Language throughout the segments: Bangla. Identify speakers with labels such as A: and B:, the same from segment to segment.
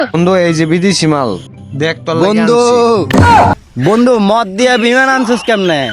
A: বন্ধু এই যে বিদেশি মাল দেখ তোর লাগি
B: বন্ধু
A: আনছি।
B: বন্ধু মদ দিয়া বিমান আনছিস কেমনে?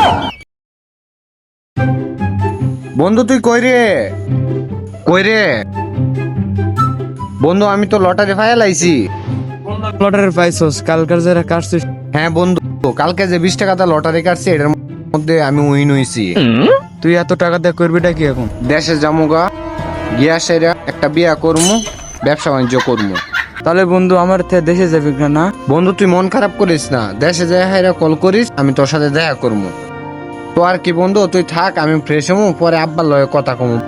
A: বন্ধু তুই কই রে বন্ধু আমি তো লটারি ফাইল আইছি।
C: লটারির পাইছস কালকার যারা কাটছিস?
A: হ্যাঁ বন্ধু কালকে যে 20 টাকাটা লটারি কাটছি এটার মধ্যে আমি উইন হইছি।
C: তুই এত টাকা দিয়ে করবিটা কি এখন?
A: দেশে জামুগা গিয়া সেরা একটা বিয়া করমু, ব্যবসা বাণিজ্য করমু।
C: তাহলে বন্ধু আমার দেশে যাবি না?
A: বন্ধু তুই মন খারাপ করিস না, দেশে যাই হাইরা কল করিস, আমি তোর সাথে দেখা করমু। তো আর কি বন্ধু তুই থাক, আমি ফ্রেশ হমু, পরে আব্বার লয়ে কথা কমু।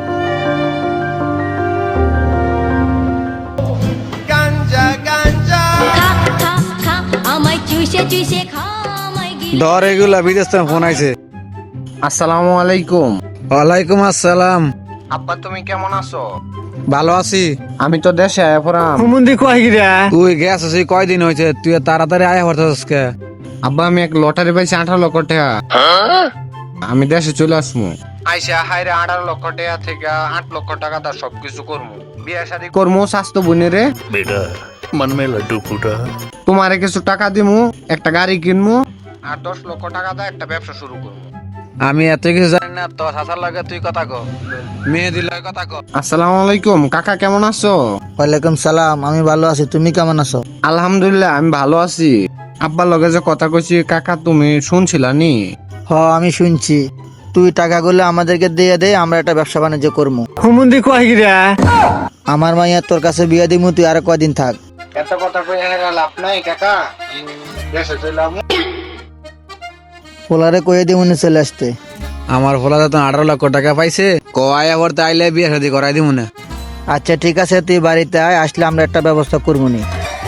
D: খা খা খা আমায় চুষে চুষে খা আমায় গিলে
B: ধর এগুলা বিদেশ থেকে ফোন আইছে।
A: আসসালামু আলাইকুম।
B: ওয়ালাইকুম আসসালাম।
A: আব্বা তুমি কেমন আছো?
B: ভালো আছি।
A: আমি তো দেশে আয়া পড়াম।
B: হুমুন্দি কয় গিরা? তুই গেছস কয়দিন হইছে? তুই তাড়াতাড়ি আয়া পড়ছস কে?
A: আব্বা আমি এক লটারি পাইছি 18 লক্ষ টাকা, আমি দেশে চলে আসবো। আইসা হাইরে 18 লক্ষ টাকা থেকে 8 লক্ষ টাকা তার সবকিছু করবো, বিয়ে শাদী করবো, স্বাস্থ্য বোনেরে
E: बेटा मन में लड्डू फूटा।
A: তোমারে কিছু টাকা দিমু, একটা গাড়ি কিনমু, আর 10 লক্ষ টাকা দা একটা ব্যবসা শুরু করবো।
B: আমি এত কিছু জানি না, তোর শাসার লাগে তুই কথা কো, মেহেদি লাগে কথা কো।
A: আসসালামু আলাইকুম কাকা, কেমন আছো?
F: ওয়ালাইকুম সালাম, আমি ভালো আছি, তুমি কেমন আছো?
A: আলহামদুলিল্লাহ আমি ভালো আছি। আব্বার লগে যে কথা কইছি কাকা তুমি শুনছিলা নি?
F: হ আমি শুনছি, তুই টাকাগুলো আমাদেরকে দিয়ে দে, আমরা একটা ব্যবসা বাণিজ্য করবো।
B: হুমুন্দি কয় গিরা?
F: আমার মাইয়া তোর কাছে বিয়ে দিমু, তুই আর কয়দিন থাক।
A: এত কথা কই লাভ নাই কাকা, দেশে চলে আমু।
F: পোলারে কয়ে দিমু নি চলে আসতে।
B: আমার ফলাতে তো 18 লক্ষ টাকা পাইছে, কয় আবার তাইলে বিয়ে শাদী করাই দিমু না।
F: আচ্ছা ঠিক আছে, তুই বাড়িতে আয়, আসলে আমরা একটা ব্যবস্থা করবো নি।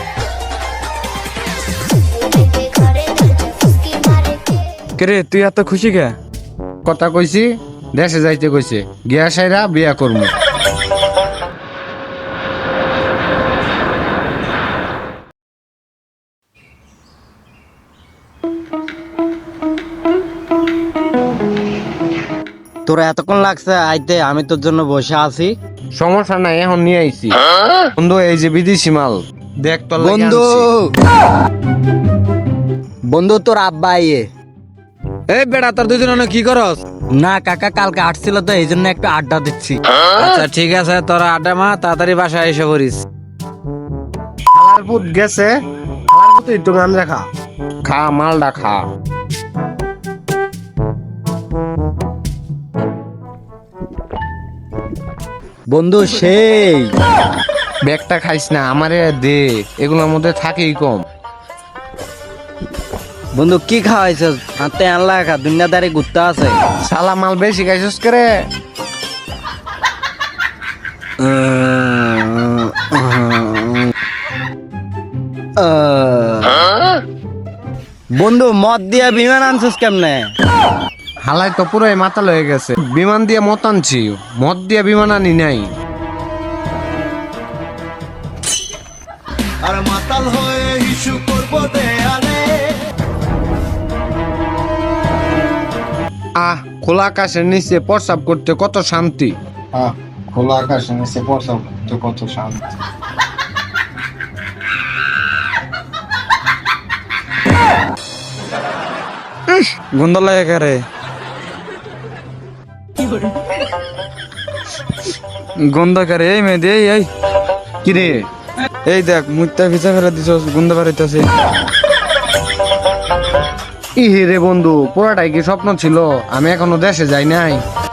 D: ঘরে ফুসকি মারে
C: কে রে তুই এত খুশি কে?
A: কথা কইছি দেশে যাইতে কইছে, গিয়া সাইরা বিয়া করমু।
B: তোরা এতক্ষণ লাগছে আইতে, আমি তোর জন্য বসে আছি।
A: সমস্যা নাই, এখন নিয়ে আইছি। বন্ধু এই যে বিদেশি মাল দেখ তোর লাগি
B: বন্ধু
A: আনছি।
B: বন্ধু তোর আব্বা আইয়ে। এই বেটা তোর দুজন কি করস? না কাকা কালকে আসছিল তো এই জন্য একটু আড্ডা দিচ্ছি। আচ্ছা ঠিক আছে, তোরা আড্ডা মা, তাড়াতাড়ি বাসায় এসে পড়িস।
A: খালার পুত গেছে, খালার পুত একটু গান রাখা, খা মালটা খা।
B: বন্ধু সেই
A: ব্যাগটা খাইস না, আমারে দে, এগুলোর মধ্যে থাকেই কম।
B: বন্ধু কি খাওয়াইছ? হাতে আনলা খা, দুনিয়াদারি ঘুরতে আছে।
A: শালা মাল বেশি খাইছস করে।
B: বন্ধু মদ দিয়া বিমান আনছিস কেমনে?
A: হালাই তো পুরোই মাতাল হয়ে গেছে, বিমান দিয়ে মত আনছি, মদ দিয়ে বিমান আনি নাই।
E: আর মাতাল হয়ে ইস্যু করব দেয়ালে।
A: আহ খোলা আকাশের নিচে প্রস্রাব করতে কত শান্তি। খোলা আকাশের নিচে প্রস্রাব করতে কত শান্তি।
C: গন্ধ লাগে কে রে? গন্ধ কে রে? এই মেয়ে দে এই
A: কিরে
C: এই দেখ মুইতা ভিজা ফেলে দিছস, গন্ধ বাড়াইতাছে।
A: ইহে রে বন্ধু, পুরাটাই কি স্বপ্ন ছিল? আমি এখনো দেশে যাই নাই।